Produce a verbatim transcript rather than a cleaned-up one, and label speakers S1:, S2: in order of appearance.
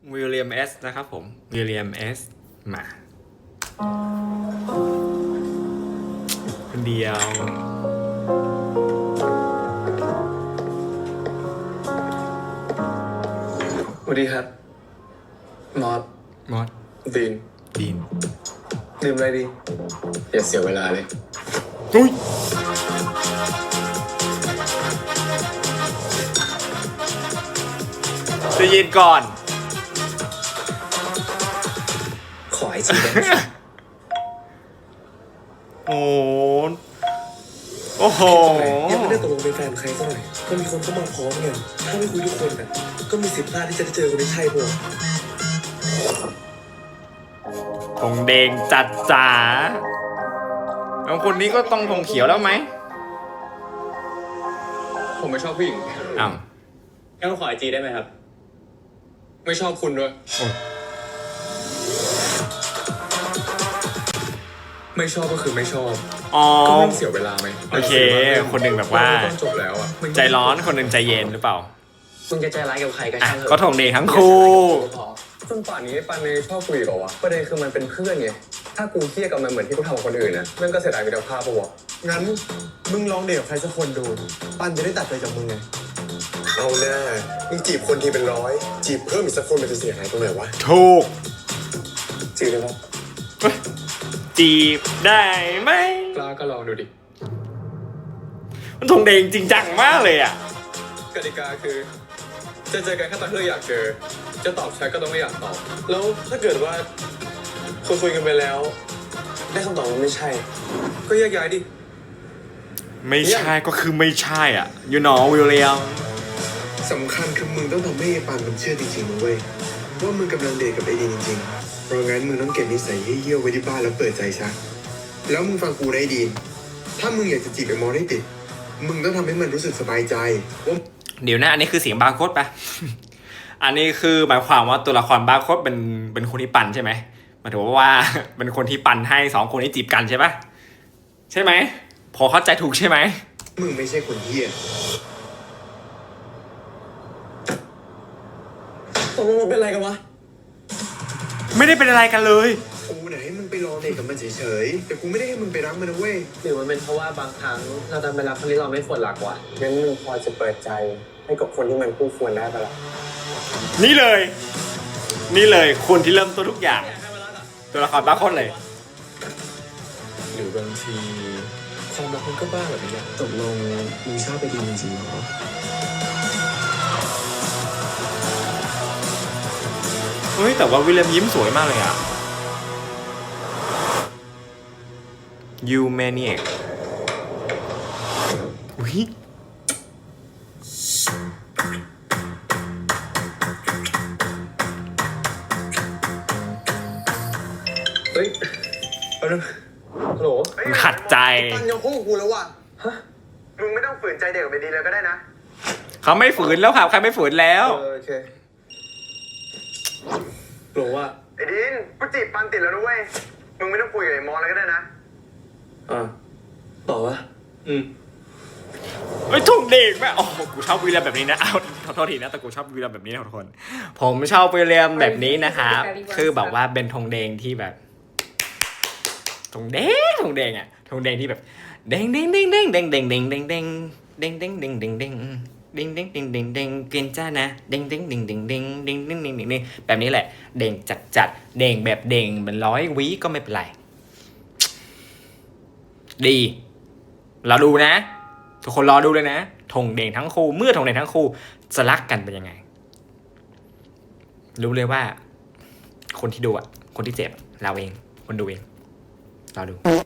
S1: วิลเลียมเอสนะครับผมวิลเลียมเอสมาคนเดียว
S2: สวัสดีครับมอส
S1: มอส
S2: ดีน
S1: ดีน
S2: ดื่มอะไรดีอย่าเสียเวลาเลย
S1: อุ้ยจะยินก่อน
S2: ขอไอจีได้ไหม
S1: โอ้โอ้โห
S2: ยังไม่ได้ตกลงเป็นแฟนใครสักหน่อยก็มีคนเข้ามาพร้อมกันถ้าไม่คุยทุกคนน่ะก็มีสิทธิ์พลาดที่จะได้เจอคนที่ใช่พวก
S1: ธงแดงจัดจ๋าบางคนนี้ก็ต้องธงเขียวแล้วไหม
S2: ผมไม่ชอบผู้หญิง
S1: อ้าว
S2: งั้นขอไอจีได้ไหมครับไม่ชอบคุณด้วยไม่ชอบก็คือไม่ชอบ
S1: อ๋อ
S2: ก็ไม่เสียเวลาไหม
S1: โอเคคนหนึ่งแบบว่า
S2: จบแล้วอ่ะ
S1: ใจร้อนคนหนึ่งใจเย็นหรือเปล่า
S2: มึงจะใจร้ายกับใครก็ช่างเถอะ
S1: ก็ธงแดงทั้งคู่
S2: จนป่านนี้ปันเลยชอบคุยกับวะประเด็นคือมันเป็นเพื่อนไงถ้ากูเครียดกับมันเหมือนที่กูทำกับคนอื่นนะมันก็เสียดายมิตรภาพปะวะงั้นมึงลองเดทกับใครสักคนดูปันจะได้ตัดใจจากมึงไงเอาแน่มึงจีบคนทีเป็นร้อยจีบเพิ่มอีกสักคนมันจะเสียหายตรงไหนวะ
S1: ถูก
S2: จีบได้ไหม
S1: จีบได้ไหม
S2: กล้าก็ลองดูดิ
S1: มันธงแดงจริงจังมากเลยอ่ะ
S2: กติกาคือจะเจอกันแค่ตอนที่เราอยากเจอจะตอบแชทก็ต้องไม่อยากตอบแล้วถ้าเกิดว่าคุยคุยกันไปแล้วได้คำตอบว่าไม่ใช่ก็แยกย้ายดิ
S1: ไม่ใช่ก็คือไม่ใช่อ่ะยูโน่วิลเลียม
S2: สำคัญคือมึงต้องทำให้ปานมันเชื่อจริงๆนะเว้ยว่ามึงกำลังเดทกับไอ้ดีจริงๆเพราะงั้นมึงต้องเก็บนิสัยเหี้ยๆไว้ที่บ้านแล้วเปิดใจซะแล้วมึงฟังกูได้ดีถ้ามึงอยากจะจีบไอ้มอได้ติดมึงต้องทำให้มันรู้สึกสบายใจว่า
S1: เดี๋ยวนะอันนี้คือเสียงบาร์โค้ดปะ อันนี้คือหมายความว่าตัวละครบาร์โค้ดเป็นเป็นคนที่ปั่นใช่ไหมหมายถึงว่าเป็นคนที่ปั่นให้สองคนนี้จีบกันใช่ปะใช่ไหมพอเข้าใจถูกใช่ไหม
S2: มึงไม่ใช่คนเหี้ยตกลงมันเป็นอะไรกันวะ
S1: ไม่ได้เป็นอะไรกันเลย
S2: กูเนี่ยให้มึงไปรอเด็กกับมันเฉยๆแต่กูไม่ได้ให้มึงไปรักมันนะเว้ยหรือมันเป็นเพราะว่าบางครั้งเราดันไปรักคนที่เราไม่ควรรักวะงั้นมึงพอจะเปิดใจให้กับคนที่มันคู่ควรได้ปะล่ะ
S1: นี่เลยนี่เลยคนที่เริ่มต้นทุกอย่างตัวละครบาร์โค้ดเลย
S2: หรือบางทีความรักมันก็บ้าแบบนี้ตกลงมึงชอบไปดีจริงๆเหรอ
S1: เฮ้ยแต่ว่าวิลเลียมยิ้มสวยมากเลยอ่ะ You Maniac อุ้ย
S2: เฮ้ยเอาดูฮัลโหล
S1: ขัดใจ
S2: ปันยังคู่กูแล้วว่ะฮะมึงไม่ต้องฝืนใจเด็กไปดีเลยก็ได้นะ
S1: เขาไม่ฝืนแล้วครับใครไม่ฝืนแล้ว
S2: โอเคหลงว่าไอ้ดินกูจีบปันติดแล้วนะเว้ยมึงไม่ต้องคุยกับไอ้มอแล้วก็ได้นะอ่าต่อวะอืม
S1: เฮ้ยทุ่งเด็กแม่โอ้กูชอบวิลเลียมแบบนี้นะเอาขอโทษทีนะแต่กูชอบวิลเลียมแบบนี้นะทุกคนผมชอบวิลเลียมแบบนี้นะครับคือแบบว่าเป็นธงแดงที่แบบธงแดงธงแดงอ่ะธงแดงที่แบบแดงแดงแดงแดงแดงแดงแดงแดงแดงแดงแดงแดงแดงแดงเด้งเด้งเด้งเด้งเด้งเกินจ้านะเด้งเด้งเด้งเด้งเด้งเด้งเด้งเด้งเด้งแบบนี้แหละเด้งจัดจัดเด้งแบบเด้งเป็นร้อยวิก็ไม่เป็นไรดีเราดูนะทุกคนรอดูเลยนะธงแดงทั้งคู่เมื่อธงแดงทั้งคู่จะรักกันเป็นยังไงรู้เลยว่าคนที่ดูอ่ะคนที่เจ็บเราเองคนดูเองรอดู